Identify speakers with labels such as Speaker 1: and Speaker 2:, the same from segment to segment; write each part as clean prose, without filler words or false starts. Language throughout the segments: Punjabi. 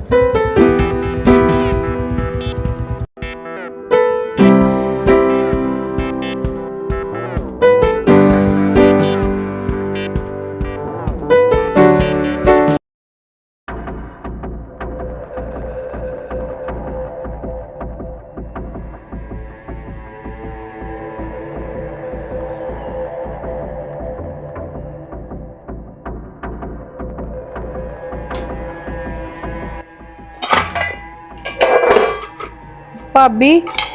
Speaker 1: भाभी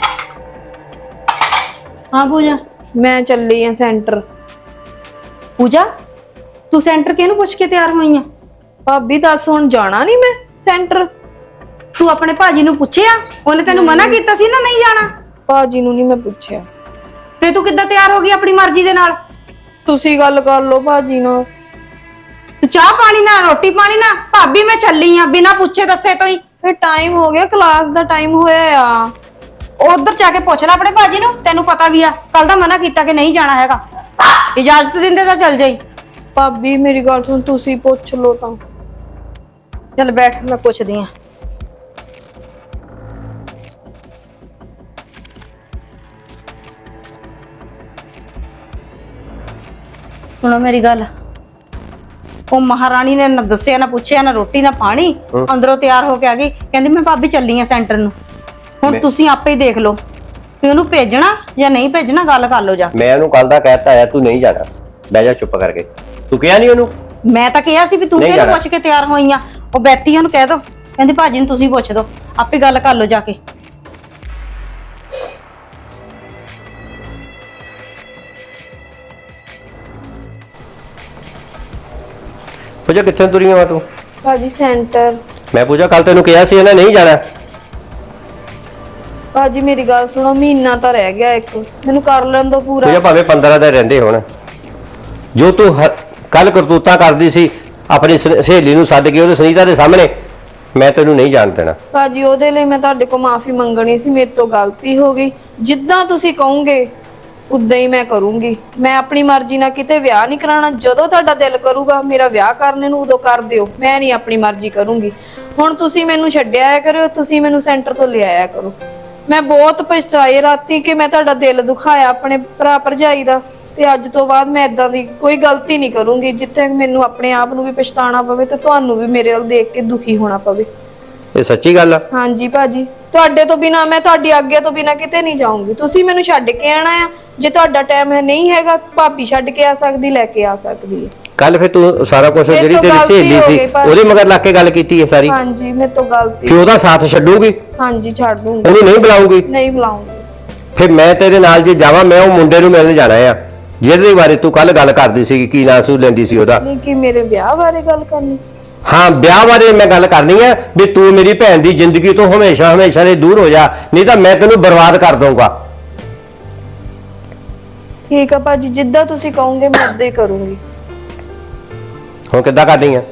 Speaker 2: हाँ पूजा
Speaker 1: मैं चली हाँ सेंटर।
Speaker 2: पूजा तू सेंटर किहनू पुछ के तैयार होई है?
Speaker 1: भाभी दस हुण जाना नहीं मैं सेंटर।
Speaker 2: तू अपने भाजी नू पुछिया? ओने तैनू मना कीता सी ना नहीं जाना?
Speaker 1: भाजी नू नहीं मैं पूछया।
Speaker 2: फिर तू किद्दां तैयार हो गई अपनी मर्जी दे नाल?
Speaker 1: तुसी गल कर लो भाजी नाल।
Speaker 2: तू चाह पानी ना रोटी पानी ना भाभी मैं चली हाँ बिना पूछे दसे तो ही।
Speaker 1: फिर टाइम हो गया, क्लास दा टाइम होया आ।
Speaker 2: उधर जाके पूछ ला अपने भाजी नू, तेनू पता भी आ कल दा मना कीता कि नहीं जाना हैगा। इजाजत दिंदे तां चल जाई।
Speaker 1: भाभी मेरी गल सुन, तुसी पूछ लो तां।
Speaker 2: चल बैठ मैं पूछदी हां। सुनो मेरी गल, ਉਹ ਮਹਾਰਾਣੀ ਨੇ ਨਾ ਦੱਸਿਆ ਨਾ ਪੁੱਛਿਆ ਨਾ ਰੋਟੀ ਨਾ ਪਾਣੀ, ਅੰਦਰੋਂ ਤਿਆਰ ਹੋ ਕੇ ਆ ਗਈ ਕਹਿੰਦੀ ਮੈਂ ਭਾਬੀ ਚੱਲੀ ਆ ਸੈਂਟਰ ਨੂੰ। ਹੁਣ ਤੁਸੀਂ ਆਪੇ ਹੀ ਦੇਖ ਲਓ ਕਿ ਉਹਨੂੰ ਭੇਜਣਾ ਜਾਂ ਨਹੀਂ ਭੇਜਣਾ, ਗੱਲ ਕਰ ਲਓ ਜਾ।
Speaker 3: ਮੈਂ ਉਹਨੂੰ ਕੱਲ ਦਾ ਕਹਿਤਾ ਆ ਤੂੰ ਨਹੀਂ ਜਾਣਾ, ਬਹਿ ਜਾ ਚੁੱਪ ਕਰਕੇ। ਤੂੰ ਕਿਹਾ ਨਹੀਂ ਉਹਨੂੰ?
Speaker 2: ਮੈਂ ਤਾਂ ਕਿਹਾ ਸੀ ਵੀ ਤੂੰ ਕਿਹਨੂੰ ਪੁੱਛ ਕੇ ਤਿਆਰ ਹੋਈਆਂ। ਉਹ ਬੈਠੀ ਉਹਨੂੰ ਕਹਿ ਦੋ, ਕਹਿੰਦੀ ਭਾਜੀ ਨੂੰ ਤੁਸੀਂ ਪੁੱਛ ਦੋ, ਆਪੇ ਗੱਲ ਕਰ ਲਓ ਜਾ ਕੇ।
Speaker 3: पूजा कितने तुरी है तू?
Speaker 1: भाजी सेंटर।
Speaker 3: मैं पूजा कल तेन कहा सी नहीं जाना।
Speaker 1: भाजी मेरी गल सुनो, महीना तो रह गया एक, मैनू कर लेन दो पूरा।
Speaker 3: पूजा भावे 15 दिन रहिंदे होण, जो तू कल करतूतां करदी सी अपनी सहेली नूं सद के ओहदे सुनीता दे सामने, मैं तेनू नहीं जान देना।
Speaker 1: भाजी ओहदे लई मैं तुहाडे कोल माफी मंगनी सी, मेरे तो गलती हो गई। जिद्दां तुसीं कहोगे उदा ही मैं करूंगी। मैं अपनी मर्जी ना किते विआह नहीं कराना, जदों तुहाडा दिल करूगा मेरा विआह करने नूं उदों कर दिओ, मैं नहीं अपनी मर्जी करूंगी। हुण तुसीं मैनूं छड्डिया आया करो, तुसीं मैनूं सेंटर तो ले आया करो। मैं बहुत पछताई राती कि मैं तुहाडा दिल दुखाया अपने भरा भरजाई दा, ते अज तो बाद मैं इदां दी कोई गलती नहीं करूंगी जिथे मैनूं अपने आप नूं भी पछताना पवे ते तुहानूं भी मेरे वल देख के दुखी होना पवे।
Speaker 3: ये सच्ची गल आ?
Speaker 1: हाँ जी भाजी, तुहाडे तो बिना मैं तुहाडी आग्या तो बिना किते नहीं जाऊंगी। तुसीं मैनूं छड्ड के आना आ, जे तुहाडा टाइम है नहीं हैगा भाभी छड्ड के आ सकदी, लैके आ सकदी है।
Speaker 3: कल फिर तू सारा कुछ जेड़ी तेरी सहेली सी ओदे मगर लग के गल कीती है सारी?
Speaker 1: हाँ जी मेरे तो गलती।
Speaker 3: फिर ओदा साथ छड्डूगी?
Speaker 1: हाँ जी छड्ड दूंगी।
Speaker 3: ओनू नहीं बुलाऊंगी?
Speaker 1: नहीं बुलाऊंगी।
Speaker 3: फिर मैं तेरे नाल जे जावां, मैं ओ मुंडे नूं मिलण जाना आ जिहदे बारे तू कल गल करदी सी की नां सू लैंदी सी ओदा।
Speaker 1: नहीं कि मेरे ब्याह बारे गल करनी?
Speaker 3: हाँ ब्याह बारे मैं गल करनी है भी तू मेरी भैन दी जिंदगी तो हमेशा हमेशा दे दूर हो जा, नहीं तो मैं तेनू बर्बाद कर दूंगा।
Speaker 1: ठीक है भाजी, जिद्दां तुसीं कहोगे मैं उद्दां ही करूंगी।
Speaker 3: हुण किद्दां करनी है?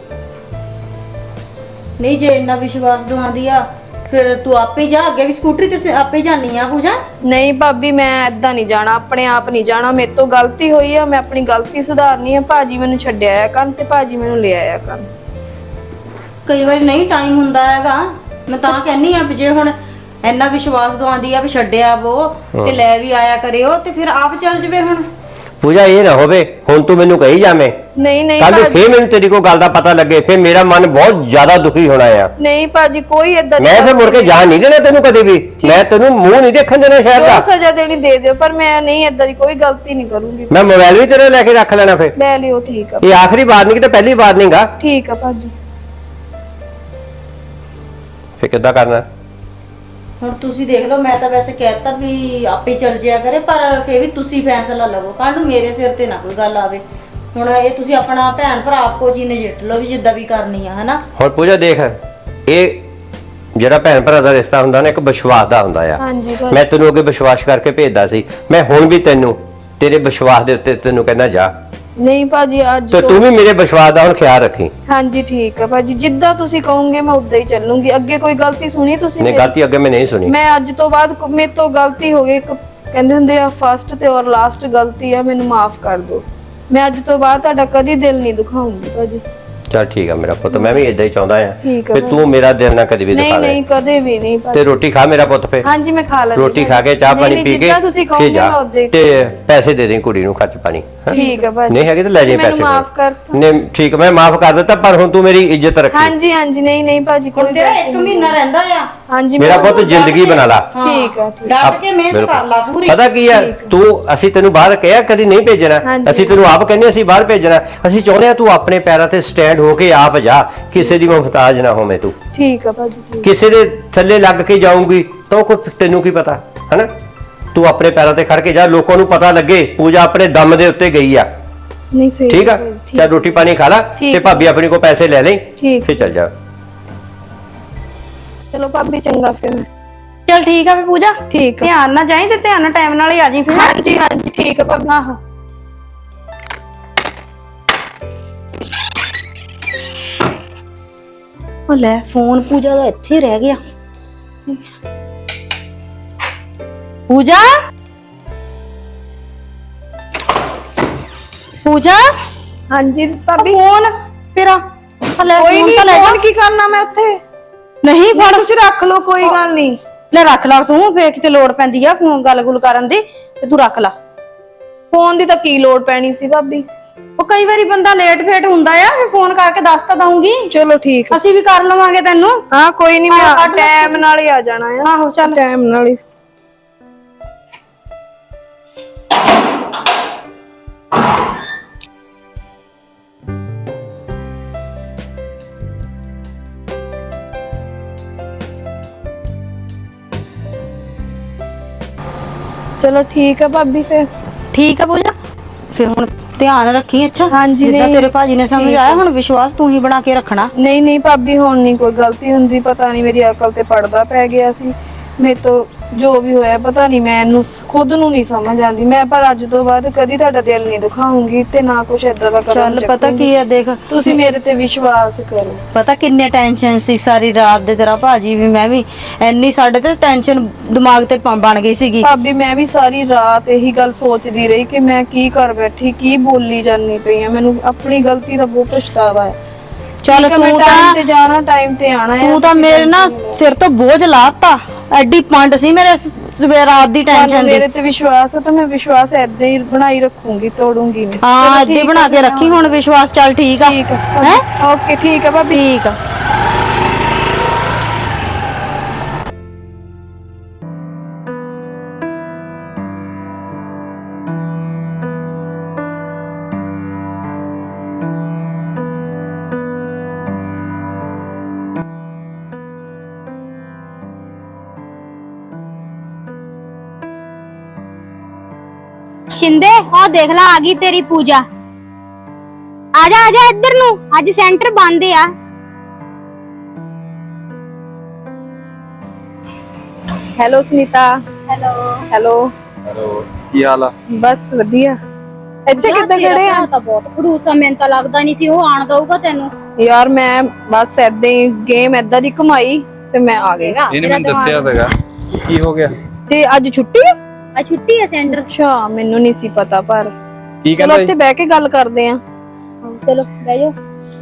Speaker 2: नहीं जे इन्ना विश्वास दिवांदी आ फिर तू आपे जा, अगे भी स्कूटरी ते आपे जानी आ पूजा।
Speaker 1: नहीं भाभी मैं इदां नहीं जाना, अपने आप नहीं जाना, मेरे तो गलती हुई है, मैं अपनी गलती सुधारनी है। भाजी मैनूं छड्डिया आया करन ते भाजी मैनूं ले आया करन।
Speaker 2: कई बार नहीं टाइम हुंदा हैगा, मैं तां कहनी आ जे हुण इन्ना विश्वास दवांदी आ भी छड्डिया वो ते ले भी आया करियो ते फिर आप चल जवे। हुण
Speaker 3: पूजा ये ना होवे हुण तू मैनू कही जावे,
Speaker 1: नहीं नहीं
Speaker 3: कल फिर मैनू तेरी कोई गल दा पता लगे, फिर मेरा मन बहुत ज्यादा दुखी होना है।
Speaker 1: नहीं भाजी कोई इदां
Speaker 3: मैं फिर मुड़ के जान नहीं देना तेनू कभी भी, मैं तेनू मुंह नहीं देखन देना शहर दा।
Speaker 1: सजा देनी दे दियो, पर मैं नहीं इदां दी कोई गलती नहीं करूंगी।
Speaker 3: मैं मोबाइल भी तेरे लेके रख लेना फिर।
Speaker 1: ले लियो ठीक है।
Speaker 3: ये आखिरी बार नहीं कि पहली बार नहीं गा।
Speaker 1: ठीक है भाजी।
Speaker 3: फिर किद्दां करना?
Speaker 2: ਹੁਣ ਤੁਸੀਂ ਦੇਖ ਲਓ, ਮੈਂ ਤਾਂ ਵੈਸੇ ਕਹਿਤਾ ਵੀ ਆਪੇ ਚੱਲ ਜਿਆ ਕਰੇ, ਪਰ ਫੇਰ ਵੀ ਤੁਸੀਂ ਫੈਸਲਾ ਲਵੋ, ਕੱਲ ਨੂੰ ਮੇਰੇ ਸਿਰ ਤੇ ਨਾ ਕੋਈ ਗੱਲ ਆਵੇ। ਹੁਣ ਇਹ ਤੁਸੀਂ ਆਪਣਾ ਭੈਣ ਭਰਾ ਆਪੋ ਜੀ ਨਜਿੱਠ ਲਓ ਵੀ ਜਿੱਦਾਂ ਵੀ ਕਰਨੀ ਆ, ਹਨਾ।
Speaker 3: ਹੁਣ ਪੂਜਾ ਦੇਖ, ਇਹ ਜਿਹੜਾ ਭੈਣ ਭਰਾ ਦਾ ਰਿਸ਼ਤਾ ਹੁੰਦਾ ਨਾ ਇੱਕ ਵਿਸ਼ਵਾਸ ਦਾ ਹੁੰਦਾ ਆ।
Speaker 1: ਹਾਂਜੀ
Speaker 3: ਮੈਂ ਤੈਨੂੰ ਅੱਗੇ ਵਿਸ਼ਵਾਸ ਕਰਕੇ ਭੇਜਦਾ ਸੀ, ਮੈਂ ਹੁਣ ਵੀ ਤੈਨੂੰ ਤੇਰੇ ਵਿਸ਼ਵਾਸ ਦੇ ਉੱਤੇ ਤੈਨੂੰ ਕਹਿੰਦਾ ਜਾ।
Speaker 1: नहीं भाजी आज
Speaker 3: तो तू भी मेरे विश्वास का हुण ख्याल रखी।
Speaker 1: हाँ जी ठीक है भाजी, जिद्दां तुसीं कहोगे मैं उद्दां ही चलूंगी। अगे कोई गलती सुनी तुसीं?
Speaker 3: नहीं गलती अगे मैं नहीं सुनी।
Speaker 1: मैं अज तो बाद मेरे तो गलती हो गई, कहंदे हुंदे आ फर्स्ट ते और लास्ट गलती है, मैनूं माफ कर दो। मैं अज तो बाद तुहाडा कदी दिल नहीं दुखाऊंगी भाजी।
Speaker 3: ਚੱਲ ਠੀਕ ਆ ਮੇਰਾ ਪੁੱਤ, ਮੈਂ ਵੀ ਇਦਾਂ ਹੀ ਚਾਹੁੰਦਾ ਆ
Speaker 1: ਠੀਕ ਆ
Speaker 3: ਵੀ ਤੂੰ ਮੇਰਾ ਦਿਲ ਨਾ ਕਦੇ ਵੀ
Speaker 1: ਨਹੀਂ
Speaker 3: ਦਿਖਾ ਦੇ।
Speaker 1: ਨਹੀਂ ਕਦੇ ਵੀ ਨਹੀਂ ਭਾਜੀ।
Speaker 3: ਤੇ ਰੋਟੀ ਖਾ ਮੇਰਾ ਪੁੱਤ ਫੇ,
Speaker 1: ਹਾਂਜੀ ਮੈਂ ਖਾ ਲੈਂਦੀ
Speaker 3: ਰੋਟੀ ਖਾ ਕੇ ਚਾਹ
Speaker 1: ਨਹੀਂ,
Speaker 3: ਪਾਣੀ
Speaker 1: ਨਹੀਂ,
Speaker 3: ਪੀ ਕੇ
Speaker 1: ਜਿੱਦਾਂ ਤੁਸੀਂ
Speaker 3: ਫਿਰ
Speaker 1: ਕਹੋਗੇ
Speaker 3: ਜਾ
Speaker 1: ਮੈਂ ਉਦਾਂ ਹੀ
Speaker 3: ਤੇ ਪੈਸੇ ਦੇ ਦੇ ਕੁੜੀ ਨੂੰ ਖਰਚ ਪਾਣੀ ਹੈਂ?
Speaker 1: ਠੀਕ ਆ ਭਾਜੀ
Speaker 3: ਨਹੀਂ ਹੈਗੇ ਤਾਂ ਲੈ ਜਾਈਂ
Speaker 1: ਤੁਸੀਂ
Speaker 3: ਪੈਸੇ
Speaker 1: ਮੈਨੂੰ ਮਾਫ ਕਰ
Speaker 3: ਨਹੀਂ ਠੀਕ, ਮੈਂ ਮਾਫ ਕਰ ਦਿੱਤਾ, ਪਰ ਹੁਣ ਤੂੰ ਮੇਰੀ ਇੱਜ਼ਤ ਰੱਖੀ।
Speaker 1: ਹਾਂਜੀ ਹਾਂਜੀ ਨਹੀਂ ਨਹੀਂ ਭਾਜੀ ਕੋਈ
Speaker 2: ਤੇਰਾ
Speaker 1: ਗੱਲ
Speaker 2: 1 ਮਹੀਨਾ ਰਹਿੰਦਾ ਆ,
Speaker 1: ਹਾਂਜੀ
Speaker 3: ਮੇਰਾ
Speaker 1: ਮੈਂ-
Speaker 3: ਪੁੱਤ ਜ਼ਿੰਦਗੀ ਬਣਾ ਲਾ।
Speaker 1: ਠੀਕ ਆ ਠੀਕ
Speaker 2: ਡਟ ਕੇ ਮਿਹਨਤ
Speaker 3: ਬਿਲਕੁਲ।
Speaker 2: ਕਰ ਲਾ ਪੂਰੀ।
Speaker 3: ਪਤਾ ਕੀ ਆ, ਤੂੰ ਅਸੀਂ ਤੈਨੂੰ ਬਾਹਰ ਕਿਹਾ ਕਦੀ ਨਹੀਂ ਭੇਜਣਾ,
Speaker 1: ਹਾਂਜੀ।
Speaker 3: ਅਸੀਂ ਤੈਨੂੰ ਆਪ ਕਹਿੰਦੇ ਅਸੀਂ ਬਾਹਰ ਭੇਜਣਾ। ਅਸੀਂ ਚਾਹੁੰਦੇ ਆ ਤੂੰ ਆਪਣੇ ਪੈਰਾਂ ਤੇ ਸਟੈਂਡ ਹੋ ਕੇ ਆਪ ਜਾ, ਕਿਸੇ ਦੀ ਮੁਹਤਾਜ ਨਾ ਹੋਵੇਂ ਤੂੰ।
Speaker 1: ਠੀਕ ਆ ਭਾਜੀ ਠੀਕ।
Speaker 3: ਕਿਸੇ ਦੇ ਥੱਲੇ ਲੱਗ ਕੇ ਜਾਊਂਗੀ ਤਾਂ ਕੋਈ ਤੈਨੂੰ ਕੀ ਪਤਾ ਹੈਨਾ। ਤੂੰ ਆਪਣੇ ਪੈਰਾਂ ਤੇ ਖੜ ਕੇ ਜਾ, ਲੋਕਾਂ ਨੂੰ ਪਤਾ ਲੱਗੇ ਪੂਜਾ ਆਪਣੇ ਦਮ ਦੇ ਉੱਤੇ ਗਈ ਆ।
Speaker 1: ਨਹੀਂ ਸਹੀ
Speaker 3: ਠੀਕ ਆ,
Speaker 1: ਭਾਜੀ,
Speaker 3: ਚੱਲ ਰੋਟੀ ਪਾਣੀ ਖਾ ਲਾ
Speaker 1: ਠੀਕ
Speaker 3: ਤੇ ਭਾਬੀ ਆਪਣੀ ਕੋ ਪੈਸੇ ਲੈ ਲੈ,
Speaker 1: ਠੀਕ।
Speaker 3: ਫਿਰ ਚੱਲ ਜਾ।
Speaker 1: ਚਲੋ ਭਾਬੀ ਚੰਗਾ ਫਿਰ ਮੈਂ।
Speaker 2: ਚਲ ਠੀਕ ਆ ਫੇ ਪੂਜਾ,
Speaker 1: ਠੀਕ ਆ
Speaker 2: ਧਿਆਨ ਨਾਲ ਜਾਈਂ ਤੇ ਧਿਆਨ ਨਾਲ ਟਾਈਮ ਨਾਲ ਹੀ ਆ ਜੀ ਫਿਰ।
Speaker 1: ਹਾਂਜੀ ਹਾਂਜੀ ਠੀਕ ਆ ਭਾਬੀ।
Speaker 2: ਆਹੋ ਉਹ ਲੈ ਫੋਨ ਪੂਜਾ ਦਾ ਇੱਥੇ ਰਹਿ ਗਿਆ। ਪੂਜਾ ਪੂਜਾ
Speaker 1: ਹਾਂਜੀ ਭਾਬੀ
Speaker 2: ਫੋਨ ਤੇਰਾ ਲੈ
Speaker 1: ਕੋਈ
Speaker 2: ਫੋਨ
Speaker 1: ਨਹੀਂ,
Speaker 2: ਤਾਂ ਲੈ ਜਾ।
Speaker 1: ਫੋਨ ਕੀ ਕਰਨਾ ਮੈਂ ਉੱਥੇ?
Speaker 2: ਨਹੀਂ
Speaker 1: ਫੋਨ
Speaker 2: ਫੜ
Speaker 1: ਤੁਸੀਂ ਰੱਖ ਲਓ ਕੋਈ ਗੱਲ ਨਹੀਂ।
Speaker 2: ਲੈ ਰੱਖ ਲਾ ਤੂੰ, ਫੇਰ ਕਿਤੇ ਲੋੜ ਪੈਂਦੀ ਆ ਫੋਨ ਗੱਲ-ਗੁਲ ਕਰਨ ਦੀ ਤੇ ਤੂੰ ਰੱਖ ਲਾ।
Speaker 1: ਫੋਨ ਦੀ ਤਾਂ ਕੀ ਲੋੜ ਪੈਣੀ ਸੀ ਭਾਬੀ?
Speaker 2: ਉਹ ਕਈ ਵਾਰੀ ਬੰਦਾ ਲੇਟ ਫੇਟ ਹੁੰਦਾ ਆ, ਫਿਰ ਫੋਨ ਕਰਕੇ ਦੱਸ ਤਾਂ ਦਊਂਗੀ।
Speaker 1: ਚਲੋ ਠੀਕ ਆ।
Speaker 2: ਅਸੀਂ ਵੀ ਕਰ ਲਵਾਂਗੇ ਤੈਨੂੰ।
Speaker 1: ਹਾਂ ਕੋਈ ਨਹੀਂ,
Speaker 2: ਹਾਂ,
Speaker 1: ਮੈਂ
Speaker 2: ਕੱਢ ਲੈ।
Speaker 1: ਟਾਈਮ ਨਾਲ ਹੀ ਆ ਜਾਣਾ ਆ।
Speaker 2: ਆਹੋ ਚੱਲ।
Speaker 1: ਟਾਈਮ ਨਾਲ ਹੀ। ਚਲੋ ਠੀਕ ਆ ਭਾਬੀ ਫਿਰ।
Speaker 2: ਠੀਕ ਆ ਪੂਜਾ, ਫਿਰ ਹੁਣ ਧਿਆਨ ਰੱਖੀ ਅੱਛਾ।
Speaker 1: ਹਾਂਜੀ,
Speaker 2: ਜਿੱਦਾਂ
Speaker 1: ਨਹੀਂ,
Speaker 2: ਤੇਰੇ ਭਾਜੀ ਨੇ ਸਮਝਾਇਆ, ਹੁਣ ਵਿਸ਼ਵਾਸ ਤੂੰ ਹੀ ਬਣਾ ਕੇ ਰੱਖਣਾ।
Speaker 1: ਨਹੀਂ ਨਹੀਂ ਭਾਬੀ, ਹੁਣ ਨਹੀਂ ਕੋਈ ਗਲਤੀ ਹੁੰਦੀ। ਪਤਾ ਨਹੀਂ ਮੇਰੀ ਅਕਲ ਤੇ ਪੜਦਾ ਪੈ ਗਿਆ ਸੀ। ਮੇਰੇ ਤੋਂ ਜੋ ਵੀ ਹੋਇਆ ਪਤਾ ਨਹੀਂ, ਮੈਨੂੰ ਖੁਦ ਨੂੰ ਨਹੀਂ ਸਮਝ ਆਉਂਦੀ। ਮੈਂ ਪਰ ਅੱਜ ਤੋਂ ਬਾਅਦ ਕਦੀ ਤੁਹਾਡਾ ਦਿਲ ਨਹੀਂ ਦੁਖਾਉਂਗੀ ਤੇ ਨਾ ਕੁਛ ਏਦਾਂ ਦਾ ਕਰਾਂ।
Speaker 2: ਚੱਲ ਪਤਾ ਕੀ ਆ, ਦੇਖ
Speaker 1: ਤੁਸੀਂ ਮੇਰੇ ਤੇ ਵਿਸ਼ਵਾਸ ਕਰੋ।
Speaker 2: ਪਤਾ ਕਿੰਨੇ ਟੈਨਸ਼ਨ ਸੀ ਸਾਰੀ ਰਾਤ ਦੇ, ਤੇਰਾ ਭਾਜੀ ਵੀ ਮੈਂ ਵੀ ਇੰਨੀ ਸਾਡੇ ਤੇ ਟੈਨਸ਼ਨ ਦਿਮਾਗ ਤੇ ਬਣ ਗਈ ਸੀਗੀ।
Speaker 1: ਭਾਬੀ ਮੈਂ ਵੀ ਸਾਰੀ ਰਾਤ ਇਹੀ ਗੱਲ ਸੋਚਦੀ ਰਹੀ ਕਿ ਮੈਂ ਕੀ ਕਰ ਬੈਠੀ, ਕੀ ਬੋਲੀ ਜਾਂਦੀ ਪਈ ਆ। ਮੈਨੂੰ ਆਪਣੀ ਗਲਤੀ ਦਾ ਬਹੁਤ ਪਛਤਾਵਾ ਹੈ।
Speaker 2: ਚੱਲ
Speaker 1: ਠੀਕ ਆ, ਮੈਂ
Speaker 2: ਤੂੰ
Speaker 1: ਟਾਈਮ ਤੇ
Speaker 2: ਤਾਂ
Speaker 1: ਜਾਣਾ, ਟਾਈਮ ਤੇ ਆਣਾ ਹੈ।
Speaker 2: ਤੂੰ ਤਾਂ ਮੇਰੇ ਨਾ ਸਿਰ ਤੋਂ ਬੋਝ ਲਾਤਾ। ਐਡੀ ਪੰਡ ਸੀ ਮੇਰੇ ਸਵੇਰ ਰਾਤ ਦੀ ਟੈਨਸ਼ਨ ਦੀ।
Speaker 1: ਮੇਰੇ ਤੇ ਵਿਸ਼ਵਾਸ ਹੈ ਤਾਂ ਮੈਂ ਵਿਸ਼ਵਾਸ ਏਦਾਂ ਹੀ ਬਣਾਈ ਰੱਖੂੰਗੀ, ਤੋੜੂੰਗੀ ਨਹੀਂ।
Speaker 2: ਹਾਂ ਏਦਾਂ ਹੀ ਬਣਾ ਕੇ ਰੱਖੀ ਹੁਣ ਵਿਸ਼ਵਾਸ। ਚੱਲ ਠੀਕ ਆ,
Speaker 1: ਠੀਕ ਆ
Speaker 2: ਹੈ
Speaker 1: ਓਕੇ, ਠੀਕ ਆ ਭਾਬੀ।
Speaker 2: ਠੀਕ ਆ।
Speaker 4: शिंदे ओ देख ला आ गई तेरी पूजा। आजा आजा इधर नु, आज सेंटर बंद है।
Speaker 1: Hello Sunita.
Speaker 4: Hello
Speaker 1: hello.
Speaker 5: Hello, ਕੀ ਹਾਲ ਆ?
Speaker 1: ਬਸ ਵਧੀਆ। ਇੱਥੇ ਕਿੱਦਾਂ ਖੜੇ ਆ?
Speaker 4: ਤਾਂ ਬਹੁਤ ਖੜੂਸਾ, ਮੈਨੂੰ ਤਾਂ ਲੱਗਦਾ ਨਹੀਂ ਸੀ ਉਹ ਆਣ ਦਊਗਾ ਤੈਨੂੰ।
Speaker 1: ਯਾਰ ਮੈਂ ਬਸ ਏਦਾਂ ਹੀ ਗੇਮ ਏਦਾਂ ਦੀ ਘੁਮਾਈ ਤੇ ਮੈਂ ਆ ਗਈ।
Speaker 5: ਇਹਨੇ ਮੈਨੂੰ ਦੱਸਿਆ ਸੀਗਾ, ਕੀ ਹੋ ਗਿਆ?
Speaker 1: ਤੇ ਅੱਜ ਛੁੱਟੀ ਹੈ?
Speaker 4: ਆ ਛੁੱਟੀ ਹੈ ਸੈਂटर।
Speaker 1: ਅੱਛਾ ਮੈਨੂੰ ਨਹੀਂ ਸੀ ਪਤਾ, ਪਰ
Speaker 5: ਕੀ
Speaker 1: ਚਲੋ
Speaker 5: ਕਹਿੰਦਾ
Speaker 1: ਇੱਥੇ ਬਹਿ ਕੇ ਗੱਲ ਕਰਦੇ ਆ।
Speaker 4: चलो बह जाओ।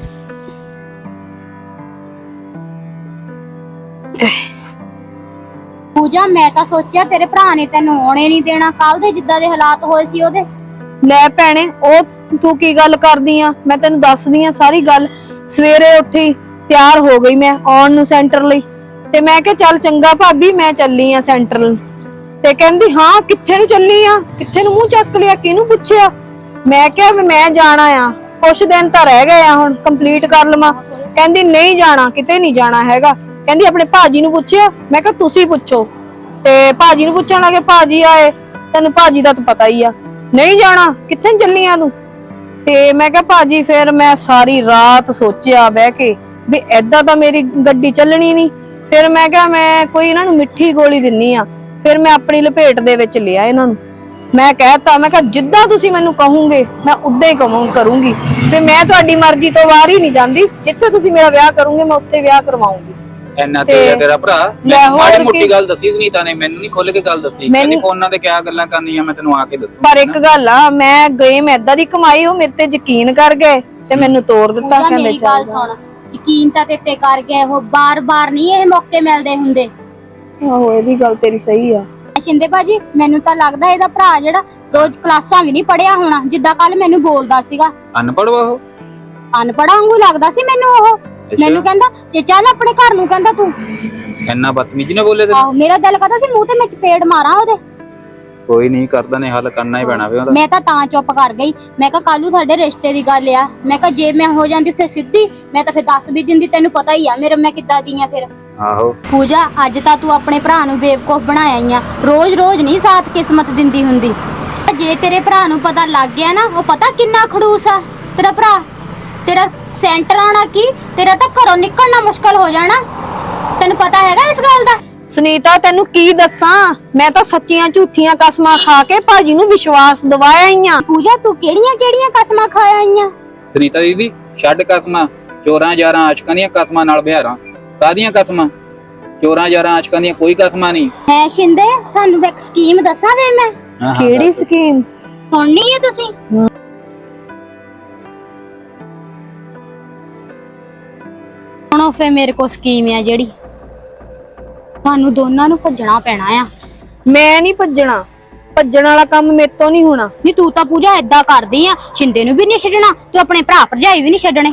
Speaker 4: पूजा मैं ਤਾਂ ਸੋਚਿਆ ਤੇਰੇ ਭਰਾ ਨੇ ਤੈਨੂੰ ਆਉਣੇ ਨਹੀਂ ਦੇਣਾ, ਕੱਲ ਦੇ ਜਿੱਦਾਂ ਦੇ ਹਾਲਾਤ ਹੋਏ ਸੀ ਉਹਦੇ।
Speaker 1: ਲੈ ਭੈਣੇ, ਉਹ ਤੂੰ ਕੀ ਗੱਲ ਕਰਦੀ ਆ? ਮੈਂ ਤੈਨੂੰ ਦੱਸਦੀ ਆ ਸਾਰੀ ਗੱਲ। ਸਵੇਰੇ ਉੱਠੀ, ਤਿਆਰ ਹੋ ਗਈ ਮੈਂ ਆਉਣ ਨੂੰ ਸੈਂਟਰ ਲਈ, ਤੇ ਮੈਂ ਕਿਹਾ ਚੱਲ ਚੰਗਾ ਭਾਬੀ ਮੈਂ ਚੱਲੀ ਆ ਸੈਂਟਰ। ਤੇ ਕਹਿੰਦੀ ਹਾਂ ਕਿੱਥੇ ਨੂੰ ਚੱਲੀ ਆ? ਕਿੱਥੇ ਨੂੰ ਮੂੰਹ ਚੱਕ ਲਿਆ? ਕਿਹਨੂੰ ਪੁੱਛਿਆ? ਮੈਂ ਕਿਹਾ ਵੀ ਮੈਂ ਜਾਣਾ ਆ, ਕੁਛ ਦਿਨ ਤਾਂ ਰਹਿ ਗਏ ਆ, ਹੁਣ ਕੰਪਲੀਟ ਕਰ ਲਵਾਂ। ਕਹਿੰਦੀ ਨਹੀਂ ਜਾਣਾ, ਕਿਤੇ ਨਹੀਂ ਜਾਣਾ ਹੈਗਾ। ਕਹਿੰਦੀ ਆਪਣੇ ਭਾਜੀ ਨੂੰ ਪੁੱਛਿਆ? ਮੈਂ ਕਿਹਾ ਤੁਸੀਂ ਪੁੱਛੋ। ਤੇ ਭਾਜੀ ਨੂੰ ਪੁੱਛਣ ਲੱਗੇ, ਭਾਜੀ ਆਏ, ਤੈਨੂੰ ਭਾਜੀ ਦਾ ਤਾਂ ਪਤਾ ਹੀ ਆ। ਨਹੀਂ ਜਾਣਾ, ਕਿੱਥੇ ਚੱਲੀ ਆ ਤੂੰ? ਤੇ ਮੈਂ ਕਿਹਾ ਭਾਜੀ, ਫਿਰ ਮੈਂ ਸਾਰੀ ਰਾਤ ਸੋਚਿਆ ਬਹਿ ਕੇ ਵੀ ਏਦਾਂ ਤਾਂ ਮੇਰੀ ਗੱਡੀ ਚੱਲਣੀ ਨਹੀਂ। ਫਿਰ ਮੈਂ ਕਿਹਾ ਮੈਂ ਕੋਈ ਇਹਨਾਂ ਨੂੰ ਮਿੱਠੀ ਗੋਲੀ ਦਿੰਨੀ ਆ। ਫਿਰ ਮੈਂ ਆਪਣੀ ਲਪੇਟ ਦੇ ਵਿੱਚ ਲਿਆ ਇਹਨਾਂ ਨੂੰ। ਮੈਂ ਕਹਿਤਾ, ਮੈਂ ਕਿਹਾ ਜਿੱਦਾਂ ਤੁਸੀਂ ਮੈਨੂੰ ਕਹੋਗੇ ਮੈਂ ਉਦਾਂ ਹੀ ਕਰੂੰਗੀ ਤੇ ਮੈਂ ਤੁਹਾਡੀ ਮਰਜ਼ੀ ਤੋਂ ਬਾਹਰ ਹੀ ਨਹੀਂ ਜਾਂਦੀ। ਜਿੱਥੇ ਤੁਸੀਂ ਮੇਰਾ ਵਿਆਹ ਕਰੋਗੇ ਮੈਂ ਉੱਥੇ ਵਿਆਹ ਕਰਵਾਉਂਗੀ।
Speaker 5: ਇੰਨਾ ਤੇ ਤੇਰਾ ਭਰਾ
Speaker 1: ਲੈ ਹੋਰ
Speaker 5: ਮਾੜੀ ਮੋਟੀ
Speaker 1: ਕੀ?
Speaker 5: ਗੱਲ ਦੱਸੀ ਸੁਨੀਤਾ ਨੇ, ਮੈਨੂੰ ਨਹੀਂ ਖੁੱਲ ਕੇ ਗੱਲ ਦੱਸੀ।
Speaker 1: ਮੈਨੂੰ-
Speaker 5: ਕਹਿੰਦੀ ਫੋਨਾਂ ਤੇ ਕਿਆ ਗੱਲਾਂ ਕਰਨੀਆਂ ਮੈਂ ਤੈਨੂੰ ਆ ਕੇ ਦੱਸੂ।
Speaker 1: ਪਰ ਇੱਕ ਗੱਲ ਆ, ਮੈਂ ਗੇਮ ਏਦਾਂ ਦੀ ਕਮਾਈ, ਉਹ ਮੇਰੇ ਤੇ ਯਕੀਨ ਕਰ ਗਏ ਤੇ ਮੈਨੂੰ ਤੋੜ ਦਿੱਤਾ,
Speaker 4: ਪੂਜਾ
Speaker 1: ਕਹਿੰਦੇ
Speaker 4: ਮੇਰੀ ਗੱਲ ਸੁਣ, ਯਕੀਨ ਤਾਂ ਤੇਤੇ ਕਰ ਗਿਆ, ਉਹ ਬਾਰ-ਬਾਰ ਨਹੀਂ ਇਹ ਮੌਕੇ ਮਿਲਦੇ ਹੁੰਦੇ।
Speaker 1: ਆਹੋ ਇਹ ਵੀ ਗੱਲ ਤੇਰੀ ਸਹੀ ਆ।
Speaker 4: ਸ਼ਿੰਦੇ ਭਾਜੀ ਮੈਨੂੰ ਤਾਂ ਲੱਗਦਾ ਇਹਦਾ ਭਰਾ ਜਿਹੜਾ 2 ਕਲਾਸਾਂ ਵੀ ਨਹੀਂ ਪੜਿਆ ਹੋਣਾ, ਜਿੱਦਾਂ ਕੱਲ ਮੈਨੂੰ ਬੋਲਦਾ ਸੀਗਾ।
Speaker 5: ਅਨਪੜ੍ਹ ਵਾ ਉਹ?
Speaker 4: ਅਨਪੜ੍ਹ ਵਾਂਗੂ ਲੱਗਦਾ ਸੀ ਮੈਨੂੰ ਉਹ। ਮੈਨੂੰ ਕਹਿੰਦਾ ਜੇ ਚੱਲ ਆਪਣੇ ਘਰ ਨੂੰ, ਕਹਿੰਦਾ ਤੂੰ।
Speaker 5: ਇੰਨਾ ਬਦਤਮੀਜੀ ਨਾ ਬੋਲੇ ਤੈਨੂੰ?
Speaker 4: ਆਹੋ ਮੇਰਾ ਦਿਲ ਕਰਦਾ ਸੀ ਮੂੰਹ ਤੇ ਮੈਂ ਚਪੇੜ ਮਾਰਾਂ ਉਹਦੇ।
Speaker 5: ਕੋਈ ਨਹੀਂ, ਕਰਦਾ ਨੇ ਹੱਲ ਕਰਨਾ ਹੀ ਪੈਣਾ ਵੇ ਉਹਦਾ।
Speaker 4: ਮੈਂ ਤਾਂ ਚੁੱਪ ਕਰ ਗਈ। ਮੈਂ ਕਿਹਾ ਕੱਲੂ ਸਾਡੇ ਰਿਸ਼ਤੇ ਦੀ ਗੱਲ ਆ। ਮੈਂ ਕਿਹਾ ਜੇ ਮੈਂ ਹੋ ਜਾਂਦੀ ਉੱਥੇ ਸਿੱਧੀ, ਮੈਂ ਤਾਂ ਫਿਰ ਦੱਸ ਵੀ ਦਿੰਦੀ, ਤੈਨੂੰ ਪਤਾ ਹੀ ਆ ਮੇਰੇ ਮੈਂ ਕਿੱਦਾਂ ਦੀ ਆ ਫਿਰ।
Speaker 5: ਆਹੋ
Speaker 4: ਪੂਜਾ ਅੱਜ ਤਾਂ ਤੂੰ ਆਪਣੇ ਭਰਾ ਨੂੰ ਬੇਵਕੂਫ ਬਣਾਇਆ ਹੀ ਆ। ਰੋਜ਼-ਰੋਜ਼ ਨਹੀਂ ਸਾਥ ਕਿਸਮਤ ਦਿੰਦੀ ਹੁੰਦੀ। ਜੇ ਤੇਰੇ ਭਰਾ ਨੂੰ ਪਤਾ ਲੱਗ ਗਿਆ ਨਾ, ਉਹ ਪਤਾ ਕਿੰਨਾ ਖੜੂਸ ਆ ਤੇਰਾ ਭਰਾ। ਤੇਰਾ ਸੈਂਟਰ ਆਣਾ ਕੀ, ਤੇਰਾ ਤਾਂ ਘਰੋਂ ਨਿਕਲਣਾ ਮੁਸ਼ਕਲ ਹੋ ਜਾਣਾ। ਤੈਨੂੰ ਪਤਾ ਹੈਗਾ ਇਸ ਗੱਲ ਦਾ?
Speaker 1: ਸੁਨੀਤਾ ਤੈਨੂੰ ਕੀ ਦੱਸਾਂ, ਮੈਂ ਤਾਂ ਸੱਚੀਆਂ ਝੂਠੀਆਂ ਕਸਮਾਂ ਖਾ ਕੇ ਭਾਜੀ ਨੂੰ ਵਿਸ਼ਵਾਸ ਦਿਵਾਇਆ ਹੀ ਆ।
Speaker 4: ਪੂਜਾ ਤੂੰ ਕਿਹੜੀਆਂ ਕਸਮਾਂ ਖਾਇਆ ਆਈਆਂ?
Speaker 5: ਸੁਨੀਤਾ ਦੀਦੀ ਛੱਡ ਕਸਮਾਂ, ਚੋਰਾਂ ਯਾਰਾਂ ਆਸ਼ਕਾਂ ਦੀਆਂ ਕਸਮਾਂ ਨਾਲ ਬਿਹਾਰਾਂ। ਕਾਹਦੀਆਂ ਕਸਮਾਂ? ਚੋਰਾਂ ਯਾਰਾਂ ਆਸ਼ਕਾਂ ਦੀਆਂ ਕੋਈ ਕਸਮਾਂ ਨਹੀਂ
Speaker 4: ਹੈ। ਸ਼ਿੰਦੇ ਤੁਹਾਨੂੰ ਇੱਕ ਸਕੀਮ ਦੱਸਾਂ ਵੇ ਮੈਂ।
Speaker 1: ਕਿਹੜੀ ਸਕੀਮ?
Speaker 4: ਸੁਣਨੀ ਹੈ ਤੁਸੀਂ? ਸੁਣੋ ਫੇ ਮੇਰੇ ਕੋਲ ਸਕੀਮ ਆ ਜਿਹੜੀ ਤੁਹਾਨੂੰ ਦੋਨਾਂ ਨੂੰ ਭੱਜਣਾ ਪੈਣਾ ਆ।
Speaker 1: ਮੈਂ ਨਹੀਂ ਭੱਜਣਾ, ਭੱਜਣ ਵਾਲਾ ਕੰਮ ਮੇਰੇ ਤੋਂ ਨਹੀਂ ਹੋਣਾ।
Speaker 4: ਨਹੀਂ ਤੂੰ ਤਾਂ ਪੂਜਾ ਏਦਾਂ ਕਰਦੀ ਆ, ਸ਼ਿੰਦੇ ਨੂੰ ਵੀ ਨਹੀਂ ਛੱਡਣਾ, ਤੂੰ ਆਪਣੇ ਭਰਾ ਭਰਜਾਈ ਵੀ ਨਹੀਂ ਛੱਡਣੇ।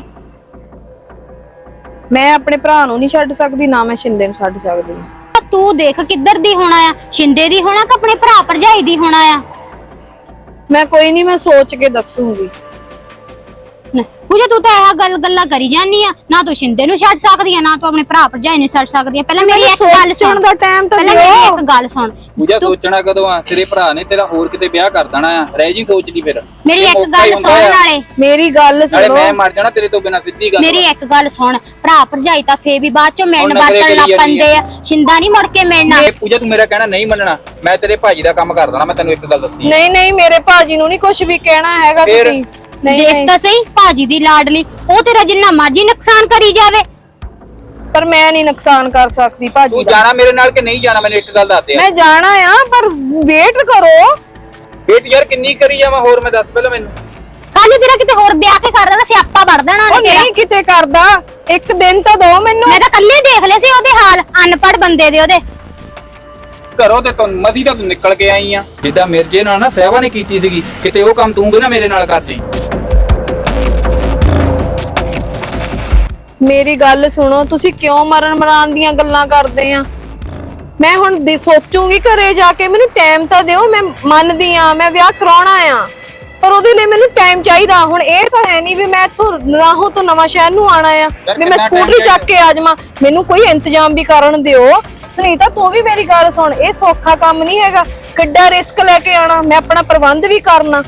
Speaker 1: ਮੈਂ ਆਪਣੇ ਭਰਾ ਨੂੰ ਨਹੀਂ ਛੱਡ ਸਕਦੀ, ਨਾ ਮੈਂ ਸ਼ਿੰਦੇ ਨੂੰ ਛੱਡ ਸਕਦੀ।
Speaker 4: ਤੂੰ ਦੇਖ ਕਿੱਧਰ ਦੀ ਹੋਣਾ ਆ, ਸ਼ਿੰਦੇ ਦੀ ਹੋਣਾ ਕਿ ਆਪਣੇ ਭਰਾ ਭਰਜਾਈ ਦੀ ਹੋਣਾ ਆ?
Speaker 1: ਮੈਂ ਕੋਈ ਨਹੀਂ, ਮੈਂ ਸੋਚ ਕੇ ਦੱਸੂਗੀ।
Speaker 4: ਪੂਜਾ ਤੂੰ ਤਾਂ ਇਹ ਗੱਲਾਂ ਕਰੀ ਜਾਂਦੀ ਆ, ਨਾ ਤੂੰ ਸ਼ਿੰਦੇ ਨੂੰ ਛੱਡ ਸਕਦੀ ਆ, ਨਾ ਤੂੰ ਆਪਣੇ ਭਰਾ ਭਰਜਾਈ ਨੂੰ ਛੱਡ ਸਕਦੀ ਆ। ਪਹਿਲਾਂ ਮੇਰੀ ਇੱਕ ਗੱਲ ਸੁਣ
Speaker 1: ਦਾ ਟਾਈਮ ਤਾਂ
Speaker 4: ਪਹਿਲਾਂ
Speaker 1: ਦਿਓ।
Speaker 4: ਮੇਰੀ ਇੱਕ ਗੱਲ ਸੁਣ।
Speaker 5: ਪੂਜਾ ਸੋਚਣਾ ਕਦੋਂ ਆ? ਤੇਰੇ ਭਰਾ ਨੇ ਤੇਰਾ ਹੋਰ ਕਿਤੇ ਵਿਆਹ ਕਰ ਦੇਣਾ ਆ, ਰਹਿ ਜੀ ਸੋਚਦੀ ਫਿਰ।
Speaker 4: ਮੇਰੀ
Speaker 5: ਇਹ
Speaker 4: ਇੱਕ
Speaker 5: ਮੌਕਾ ਹੀ
Speaker 4: ਗੱਲ
Speaker 5: ਹੁੰਦਾ
Speaker 4: ਸੁਣ
Speaker 5: ਆ।
Speaker 4: ਨਾਲੇ
Speaker 1: ਮੇਰੀ ਗੱਲ
Speaker 5: ਨਾਲੇ
Speaker 1: ਸੁਣੋ।
Speaker 5: ਮੈਂ ਮਰ ਜਾਣਾ ਤੇਰੇ ਤੋਂ ਬਿਨਾਂ, ਸਿੱਧੀ ਗੱਲ
Speaker 4: ਮੇਰੀ ਇੱਕ ਗੱਲ ਸੁਣ, ਭਰਾ ਭਰਜਾਈ ਤਾਂ ਫੇਰ ਵੀ ਬਾਅਦ ਚੋਂ ਮਿਲਣ
Speaker 5: ਹੁਣ ਨਖਰੇ
Speaker 4: ਵਰਤਣ ਲੱਗ
Speaker 5: ਕਰੀ ਜਾਂਦੀ
Speaker 4: ਪੈਂਦੇ ਆ, ਸ਼ਿੰਦਾ ਨਹੀਂ ਮੁੜ ਕੇ ਮਿਲਣਾ।
Speaker 5: ਇਹ ਪੂਜਾ ਤੂੰ ਮੇਰਾ ਕਹਿਣਾ ਨਹੀਂ ਮੰਨਣਾ, ਮੈਂ ਤੇਰੇ ਭਾਜੀ ਦਾ ਕੰਮ ਕਰ ਦੇਣਾ। ਮੈਂ ਤੈਨੂੰ ਇੱਕ ਗੱਲ ਦੱਸੀ,
Speaker 1: ਨਹੀਂ ਨਹੀਂ, ਮੇਰੇ ਭਾਜੀ ਨੂੰ ਨਹੀਂ ਕੁਝ ਵੀ ਕਹਿਣਾ ਹੈਗਾ
Speaker 5: ਫਿਰ?
Speaker 1: ਤੁਸੀਂ। ਨਹੀਂ
Speaker 4: ਦੇਖ
Speaker 1: ਨਹੀਂ,
Speaker 4: ਤਾਂ ਸਹੀ ਭਾਜੀ ਦੀ ਲਾਡਲੀ, ਉਹ ਤੇਰਾ ਜਿੰਨਾ ਮਰਜ਼ੀ ਨੁਕਸਾਨ ਕਰੀ ਜਾਵੇ।
Speaker 1: ਪਰ ਮੈਂ ਨਹੀਂ ਨੁਕਸਾਨ ਕਰ ਸਕਦੀ ਭਾਜੀ
Speaker 5: ਤੂੰ
Speaker 1: ਦਾ।
Speaker 5: ਜਾਣਾ ਮੇਰੇ ਨਾਲ ਕਿ ਨਹੀਂ ਜਾਣਾ? ਮੈਨੂੰ ਇੱਕ ਗੱਲ ਦੱਸ ਦੇ।
Speaker 1: ਮੈਂ ਜਾਣਾ ਆ, ਪਰ ਵੇਟ ਕਰੋ।
Speaker 5: ਵੇਟ ਯਾਰ ਕਿੰਨੀ ਕਰੀ ਜਾਵਾਂ ਹੋਰ? ਮੈਂ ਦੱਸ ਪਹਿਲਾਂ ਮੈਨੂੰ।
Speaker 4: ਕੱਲ ਨੂੰ ਤੇਰਾ ਕਿਤੇ ਹੋਰ ਵਿਆਹ ਕੇ ਕਰ ਦੇਣਾ, ਸਿਆਪਾ ਵੜ ਦੇਣਾ
Speaker 1: ਉਹ
Speaker 4: ਉਹਨੇ ਤੇਰਾ।
Speaker 1: ਨਹੀਂ ਕਿਤੇ ਕਰਦਾ, ਇੱਕ ਦਿਨ ਤਾਂ ਦੋ ਮੈਨੂੰ।
Speaker 4: ਮੈਂ ਤਾਂ ਕੱਲੇ ਦੇਖ ਲਏ ਸੀ ਉਹਦੇ ਹਾਲ, ਅਨਪੜ੍ਹ ਬੰਦੇ ਦੇ ਉਹਦੇ।
Speaker 5: ਘਰੋਂ ਤੇ ਤੂੰ ਮਦੀ ਤਾਂ ਤੂੰ ਨਿਕਲ ਕੇ ਆਈ ਆ। ਜਿੱਦਾਂ ਮਿਰਜੇ ਨਾਲ ਨਾ ਸਹਿਵਾ ਨੇ ਕੀਤੀ ਸੀਗੀ, ਕਿਤੇ ਉਹ ਕੰਮ ਤੂੰ ਵੀ ਨਾ ਮੇਰੇ ਨਾਲ ਕਰਦੀ।
Speaker 1: ਮੇਰੀ ਗੱਲ ਸੁਣੋ, ਤੁਸੀਂ ਕਿਉਂ ਮਰਨ ਦੀਆਂ ਗੱਲਾਂ ਕਰਦੇ ਆ? ਮੈਂ ਹੁਣ ਸੋਚੂਗੀ ਘਰੇ ਜਾ ਕੇ, ਮੈਨੂੰ ਟਾਈਮ ਤਾਂ ਦਿਓ। ਮੈਂ ਮੰਨਦੀ ਆ ਮੈਂ ਵਿਆਹ ਕਰਾਉਣਾ ਆ, ਪਰ ਉਹਦੇ ਲਈ ਮੈਨੂੰ ਟਾਈਮ ਚਾਹੀਦਾ। ਹੁਣ ਇਹ ਤਾਂ ਹੈ ਨਹੀਂ ਵੀ ਮੈਂ ਇੱਥੋਂ ਰਾਹੋਂ ਤੋਂ ਨਵਾਂ ਸ਼ਹਿਰ ਨੂੰ ਆਣਾ ਆ ਵੀ ਮੈਂ ਸਕੂਟਰੀ ਚੱਕ ਕੇ ਆ ਜਾਵਾਂ। ਮੈਨੂੰ ਕੋਈ ਇੰਤਜ਼ਾਮ ਵੀ ਕਰਨ ਦਿਓ। ਸੁਨੀਤਾ ਤੂੰ ਵੀ ਮੇਰੀ ਗੱਲ ਸੁਣ, ਇਹ ਸੌਖਾ ਕੰਮ ਨਹੀਂ ਹੈਗਾ। ਕਿੱਡਾ ਰਿਸਕ ਲੈ ਕੇ ਆਣਾ, ਮੈਂ ਆਪਣਾ ਪ੍ਰਬੰਧ ਵੀ ਕਰਨਾ।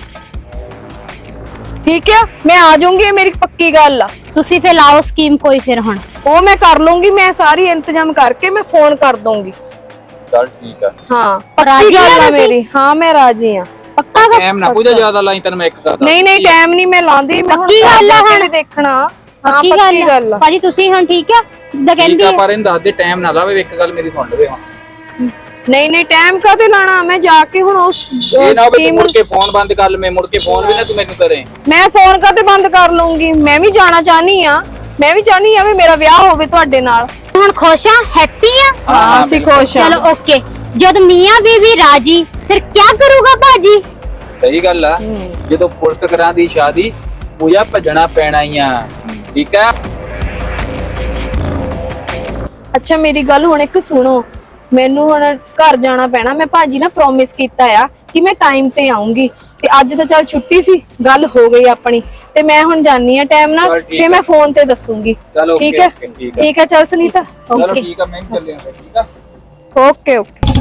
Speaker 1: ਠੀਕ ਆ, ਮੈਂ ਆ ਜਾਊਂਗੀ, ਇਹ ਮੇਰੀ ਪੱਕੀ ਗੱਲ ਆ।
Speaker 4: ਤੁਸੀਂ ਫੇ ਲਾਓ ਸਕੀਮ ਕੋਈ ਫਿਰ ਹੁਣ।
Speaker 1: ਉਹ ਮੈਂ ਕਰ ਲੂੰਗੀ, ਮੈਂ ਸਾਰੀ ਇੰਤਜ਼ਾਮ ਕਰਕੇ ਮੈਂ ਫੋਨ ਕਰ ਦੂੰਗੀ।
Speaker 5: ਚੱਲ ਠੀਕ ਆ।
Speaker 1: ਹਾਂ
Speaker 4: ਰਾਜੀ
Speaker 1: ਪੱਕੀ
Speaker 4: ਆ
Speaker 1: ਗੱਲ ਆ
Speaker 4: ਤੁਸੀਂ?
Speaker 1: ਮੇਰੀ। ਹਾਂ ਮੈਂ ਰਾਜੀ ਆ, ਪੱਕਾ ਗੱਲ।
Speaker 5: ਟਾਈਮ ਨਾ ਪੂਜਾ ਜ਼ਿਆਦਾ ਲਾਈ, ਤੈਨੂੰ ਮੈਂ ਇੱਕ ਗੱਲ
Speaker 1: ਨਹੀਂ ਨਹੀਂ, ਟਾਈਮ ਨਹੀਂ ਮੈਂ ਲਾਉਂਦੀ। ਮੈਂ ਹੁਣ
Speaker 4: ਪੱਕੀ ਗੱਲ ਆ ਹੁਣ?
Speaker 1: ਦੇਖਣਾ। ਹਾਂ
Speaker 4: ਪੱਕੀ
Speaker 1: ਪੱਕੀ ਗੱਲ ਆ।
Speaker 4: ਭਾਜੀ ਤੁਸੀਂ ਹੁਣ ਠੀਕ ਆ ਜਿੱਦਾਂ
Speaker 5: ਠੀਕ
Speaker 4: ਕਹਿੰਦੀ
Speaker 5: ਆ,
Speaker 4: ਆ?
Speaker 5: ਪਰ ਇਹਨੂੰ ਦੱਸ ਦੇ ਟਾਈਮ ਨਾ ਲਾਵੇ। ਇੱਕ ਗੱਲ ਮੇਰੀ ਸੁਣ ਲਵੇ ਹੁਣ।
Speaker 1: ਨਹੀਂ ਨਹੀਂ, ਟਾਈਮ ਕਾਹਦੇ ਲਾਣਾ? ਮੈਂ ਜਾ ਕੇ ਹੁਣ ਉਸ
Speaker 5: ਇਹ ਨਾ ਹੋਵੇ ਤੂੰ
Speaker 1: scheme
Speaker 5: ਮੁੜ ਕੇ ਫੋਨ ਬੰਦ ਕਰ ਲਵੇਂ, ਮੁੜ ਕੇ ਫੋਨ ਵੀ ਨਾ ਤੂੰ ਮੈਨੂੰ ਕਰੇ।
Speaker 1: ਮੈਂ ਫੋਨ ਕਾਹਦੇ ਬੰਦ ਕਰ ਲੂੰਗੀ? ਮੈਂ ਵੀ ਜਾਣਾ ਚਾਹਨੀ ਆ। ਮੈਂ ਵੀ ਚਾਹਨੀ ਆ ਵੀ ਮੇਰਾ ਵਿਆਹ ਹੋਵੇ ਤੁਹਾਡੇ ਨਾਲ।
Speaker 4: ਹੁਣ ਖੁਸ਼ ਆ, ਹੈਪੀ ਆ?
Speaker 1: ਹਾਂ ਅਸੀਂ ਖੁਸ਼ ਆ।
Speaker 4: ਚਲੋ ਓਕੇ। ਜਦ ਮੀਆਂ ਬੀਵੀ ਰਾਜੀ, ਫਿਰ ਕੀ ਕਰੂਗਾ ਭਾਜੀ?
Speaker 5: ਸਹੀ ਗੱਲ ਆ, ਜਦੋਂ ਪੁਲਿਸ ਕਰਾਂ ਦੀ ਸ਼ਾਦੀ, ਪੂਜਾ ਭੱਜਣਾ ਪੈਣਾ ਹੀ ਆ। ਠੀਕ ਆ?
Speaker 1: ਅੱਛਾ ਮੇਰੀ ਗੱਲ ਹੁਣ ਇੱਕ ਸੁਣੋ, ਮੈਨੂੰ ਹੁਣ ਘਰ ਜਾਣਾ ਪੈਣਾ। ਮੈਂ ਭਾਜੀ ਨਾਲ ਪ੍ਰੋਮਿਸ ਕੀਤਾ ਆ ਕਿ ਮੈਂ ਟਾਈਮ ਤੇ ਆਉਂਗੀ, ਤੇ ਅੱਜ ਤਾਂ ਚੱਲ ਛੁੱਟੀ ਸੀ, ਗੱਲ ਹੋ ਗਈ ਆਪਣੀ, ਤੇ ਮੈਂ ਹੁਣ ਜਾਨੀ ਆ ਟਾਈਮ ਨਾਲ।
Speaker 5: ਚੱਲ ਠੀਕ
Speaker 1: ਤੇ ਮੈਂ ਫੋਨ ਤੇ ਦੱਸੂਗੀ।
Speaker 5: ਚਲ ਓਕੇ
Speaker 1: ਠੀਕ ਹੈ
Speaker 5: ਓਕੇ, ਠੀਕ ਆ।
Speaker 1: ਠੀਕ ਹੈ, ਚੱਲ ਸੁਨੀਤਾ।
Speaker 5: ਚਲੋ
Speaker 1: ਓਕੇ
Speaker 5: ਠੀਕ ਆ, ਮੈਂ ਵੀ ਚੱਲਿਆ ਫਿਰ। ਠੀਕ ਆ?
Speaker 1: Okay okay.